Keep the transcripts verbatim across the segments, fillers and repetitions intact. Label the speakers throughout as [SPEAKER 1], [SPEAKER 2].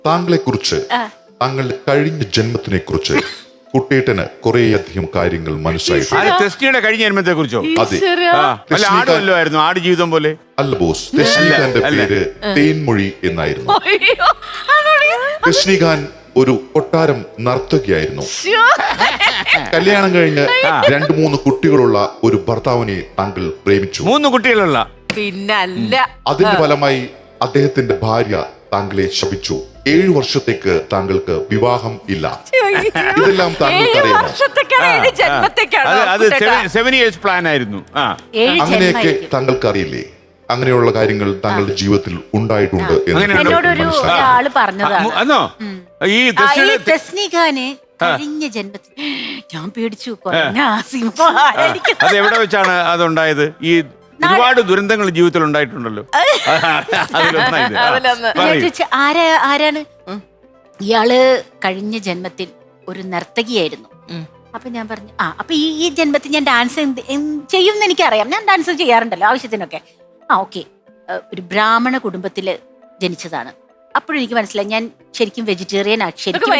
[SPEAKER 1] താങ്കളെ കുറിച്ച്, താങ്കളുടെ കഴിഞ്ഞ ജന്മത്തിനെ കുറിച്ച് കുട്ടേട്ടന് കുറേയധികം കാര്യങ്ങൾ മനസ്സിലായിട്ടുണ്ട്.
[SPEAKER 2] ടെസ്റ്റിയുടെ കഴിഞ്ഞ ജന്മത്തെ കുറിച്ചോ?
[SPEAKER 1] അതെ.
[SPEAKER 2] അല്ല, ആട് വല്ലതുമായിരുന്നു, ആട് ജീവിതം പോലെ?
[SPEAKER 1] അല്ല ബോസ്, രശ്മിഖാന്റെ പേര് തേൻമൊഴി എന്നായിരുന്നു. രശ്മിഖാൻ ഒരു കൊട്ടാരം നർത്തകിയായിരുന്നു. കല്യാണം കഴിഞ്ഞ് രണ്ടു മൂന്ന് കുട്ടികളുള്ള ഒരു ഭർത്താവിനെ താങ്കൾ പ്രേമിച്ചു.
[SPEAKER 2] മൂന്ന് കുട്ടികളുള്ള?
[SPEAKER 3] പിന്നല്ല.
[SPEAKER 1] അതിന്റെ ഫലമായി അദ്ദേഹത്തിന്റെ ഭാര്യ താങ്കളെ ശപിച്ചു. ഏഴു വർഷത്തേക്ക് താങ്കൾക്ക് വിവാഹം ഇല്ല. ഇതെല്ലാം താങ്കൾക്ക് അറിയാമോ?
[SPEAKER 2] സെവൻ ഇയേഴ്സ് പ്ലാൻ ആയിരുന്നു.
[SPEAKER 1] അങ്ങനെയൊക്കെ താങ്കൾക്ക് അറിയില്ലേ? അങ്ങനെയുള്ള കാര്യങ്ങൾ താങ്കളുടെ ജീവിതത്തിൽ ഉണ്ടായിട്ടുണ്ട്
[SPEAKER 4] എന്നോടൊരു പറഞ്ഞതാണ്.
[SPEAKER 2] ഈ
[SPEAKER 4] രശ്മിഖാന് കഴിഞ്ഞ ജന്മത്തിൽ ഞാൻ പേടിച്ചു.
[SPEAKER 2] അത് എവിടെ വെച്ചാണ് അതുണ്ടായത്? ഈ ഒരുപാട് ദുരന്തങ്ങൾ ജീവിതത്തിൽ ഉണ്ടായിട്ടുണ്ടല്ലോ.
[SPEAKER 4] ആരാ ആരാണ് ഇയാള്? കഴിഞ്ഞ ജന്മത്തിൽ ഒരു നർത്തകിയായിരുന്നു. അപ്പൊ ഞാൻ പറഞ്ഞു, ആ അപ്പൊ ഈ ഈ ജന്മത്തിൽ ഞാൻ ഡാൻസ് ചെയ്യും എന്ന് എനിക്കറിയാം. ഞാൻ ഡാൻസ് ചെയ്യാറുണ്ടല്ലോ ആവശ്യത്തിനൊക്കെ. ആ ഓക്കെ, ഒരു ബ്രാഹ്മണ കുടുംബത്തില് ജനിച്ചതാണ്. അപ്പോഴും എനിക്ക് മനസ്സിലായി ഞാൻ ശരിക്കും വെജിറ്റേറിയൻ ആണ്. ശരിക്കും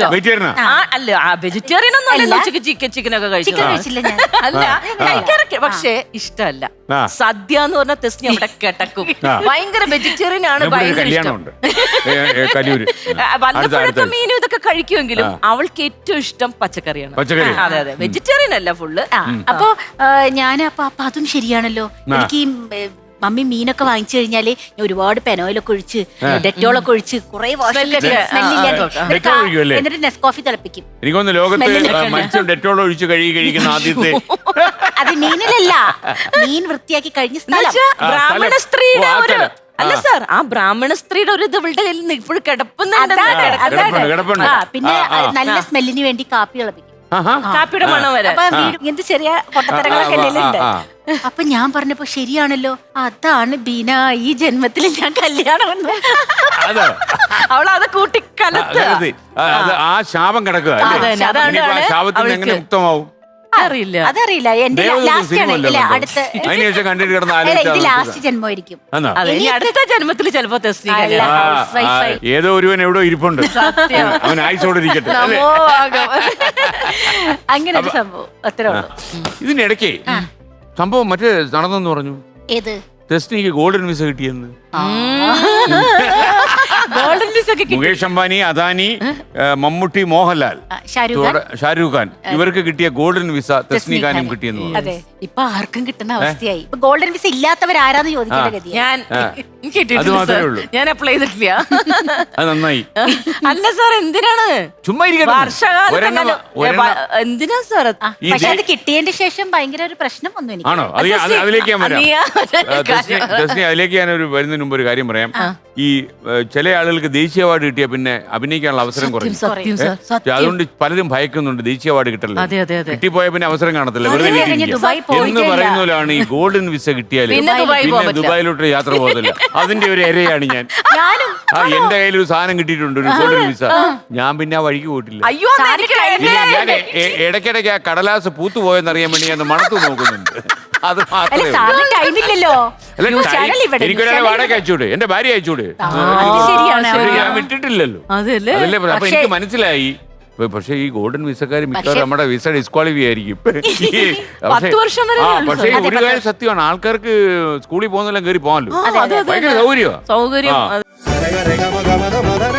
[SPEAKER 4] കഴിച്ചില്ല ഞാൻ.
[SPEAKER 3] അല്ല, കഴിക്കാറൊക്കെ, പക്ഷേ ഇഷ്ടമല്ല. സദ്യ എന്ന് പറഞ്ഞ ടെസ്റ്റ് അവിടെ കിടക്കും. ഭയങ്കര വെജിറ്റേറിയൻ ആണ്. വല്ലപ്പോഴൊക്കെ മീനും ഇതൊക്കെ കഴിക്കുമെങ്കിലും അവൾക്ക് ഏറ്റവും ഇഷ്ടം പച്ചക്കറിയാണ്. അതെ അതെ, വെജിറ്റേറിയൻ അല്ല ഫുള്ള്.
[SPEAKER 4] അപ്പൊ ഞാൻ അപ്പൊ അപ്പൊ അതും ശരിയാണല്ലോ. എനിക്ക് മമ്മി മീനൊക്കെ വാങ്ങിച്ചു കഴിഞ്ഞാല് ഞാൻ ഒരുപാട് പെനോയിലൊക്കെ ഒഴിച്ച് ഡെറ്റോളൊക്കെ ഒഴിച്ച് കുറെ എന്നിട്ട് നെസ്കോഫി തിളപ്പിക്കും.
[SPEAKER 2] എനിക്കൊന്ന് ലോകത്ത് ഡെറ്റോൾ ഒഴിച്ച് കഴുകി കഴിക്കുന്ന ആദ്യത്തെ.
[SPEAKER 4] അത് മീനിലല്ല, മീൻ വൃത്തിയാക്കി കഴിഞ്ഞ സ്ഥലം.
[SPEAKER 3] ബ്രാഹ്മണ സ്ത്രീയുടെ ഒരു അല്ല സാർ, ആ ബ്രാഹ്മണ സ്ത്രീയുടെ ഒരു ഇത് ഇവളുടെ കയ്യിൽ ഇപ്പോഴും കിടപ്പുന്നുണ്ട്.
[SPEAKER 4] പിന്നെ നല്ല സ്മെല്ലിന് വേണ്ടി കാപ്പി തിളപ്പിക്കും.
[SPEAKER 3] കാപ്പിയുടെ മണം വരെ.
[SPEAKER 4] ഇങ്ങനത്തെ ചെറിയ പൊട്ടത്തരങ്ങളൊക്കെ ഉണ്ട്. അപ്പൊ ഞാൻ പറഞ്ഞപ്പോ ശരിയാണല്ലോ, അതാണ് ബീന ഈ ജന്മത്തിൽ ഞാൻ കല്യാണം.
[SPEAKER 3] അവളത് കൂട്ടിക്കലത്ത്
[SPEAKER 2] ആ ശാപം കിടക്കുക. ശാപത്തിന് മുക്തമാവും
[SPEAKER 3] അറിയില്ല.
[SPEAKER 4] അതറിയില്ല. എന്റെ അടുത്ത ലാസ്റ്റ് ജന്മമായിരിക്കും.
[SPEAKER 3] അടുത്ത ജന്മത്തിൽ ചിലപ്പോ
[SPEAKER 2] ഏതോ ഒരുവൻ എവിടോ ഇരിപ്പുണ്ട്, അവൻ ആയിസോടെ ഇരിക്കട്ടെ.
[SPEAKER 4] അങ്ങനെ ഒരു സംഭവം അത്രേ ഉള്ളൂ.
[SPEAKER 2] ഇതിന്റെ ഇടയ്ക്ക് സംഭവം മറ്റേ നടന്നെന്ന് പറഞ്ഞു.
[SPEAKER 4] ഏത്?
[SPEAKER 2] ടെസ്റ്റിനിക്ക് ഗോൾഡൻ വിസ കിട്ടിയെന്ന്. മുകേഷ് അംബാനി, അദാനി, മമ്മൂട്ടി, മോഹൻലാൽ, ഷാരൂഖ് ഖാൻ ഇവർക്ക് കിട്ടിയ ഗോൾഡൻ വിസ ടെസ്നിഖാനും കിട്ടിയെന്ന് പറഞ്ഞു.
[SPEAKER 4] അതെ, ഇപ്പൊ ആർക്കും കിട്ടുന്ന അവസ്ഥയായി. ഇപ്പൊ ഗോൾഡൻ വിസ ഇല്ലാത്തവരാരാന്ന് ചോദിക്കേണ്ട ഗതി.
[SPEAKER 3] ഞാൻ അപ്ലൈ ചെയ്തിട്ടില്ല.
[SPEAKER 2] അത് നന്നായി.
[SPEAKER 3] അല്ല സാർ, എന്തിനാണ്
[SPEAKER 2] ചുമ്മാ
[SPEAKER 3] എന്തിനാ സാർ?
[SPEAKER 4] പക്ഷെ അത് കിട്ടിയതിന്റെ ശേഷം ഭയങ്കര ഒരു പ്രശ്നം വന്നു എനിക്ക്.
[SPEAKER 2] ആണോ? അതിലേക്ക് ഞാൻ വരാം. അതിലേക്ക് ഞാൻ ഒരു വരുന്നതിന് മുമ്പ് ഒരു കാര്യം പറയാം. ഈ ചില ആളുകൾക്ക് ദേശീയ അവാർഡ് കിട്ടിയ പിന്നെ അഭിനയിക്കാനുള്ള അവസരം കുറയും. അതുകൊണ്ട് പലരും ഭയക്കുന്നുണ്ട് ദേശീയ അവാർഡ് കിട്ടല്ലോ. കിട്ടിപ്പോയ പിന്നെ അവസരം കാണത്തില്ല, വെറുതെ എന്ന് പറയുന്നതിലാണ് ഈ ഗോൾഡൻ വിസ കിട്ടിയാൽ പിന്നെ ദുബായിലോട്ട് യാത്ര പോകത്തില്ല. അതിന്റെ ഒരു ഇരയാണ് ഞാൻ. ആ എന്റെ കയ്യിൽ ഒരു സാധനം കിട്ടിയിട്ടുണ്ട്, ഒരു ഗോൾഡൻ വിസ. ഞാൻ പിന്നെ ആ വഴിക്ക് പോയിട്ടില്ല. ഞാൻ ഇടയ്ക്കിടയ്ക്ക് ആ കടലാസ് പൂത്തുപോയെന്നറിയാൻ വേണ്ടി ഞാൻ മണത്തു നോക്കുന്നുണ്ട്. അത് മാത്രമേ എനിക്കൊരാളെ വാടക അയച്ചൂടെ, എന്റെ ഭാര്യ അയച്ചൂടെ? ഞാൻ വിട്ടിട്ടില്ലല്ലോ. അതല്ലേ അപ്പൊ എനിക്ക് മനസ്സിലായി. പക്ഷെ ഈ ഗോൾഡൻ വിസക്കാർ മിക്കവാറും നമ്മുടെ വിസ ഡിസ്ക്വാളിഫൈ ആയിരിക്കും. പക്ഷേ ഒരു കാര്യം സത്യമാണ്, ആൾക്കാർക്ക് സ്കൂളിൽ പോകുന്നതെല്ലാം കയറി പോകാമല്ലോ. ഭയങ്കര സൗകര്യമാണ്.
[SPEAKER 3] സൗകര്യം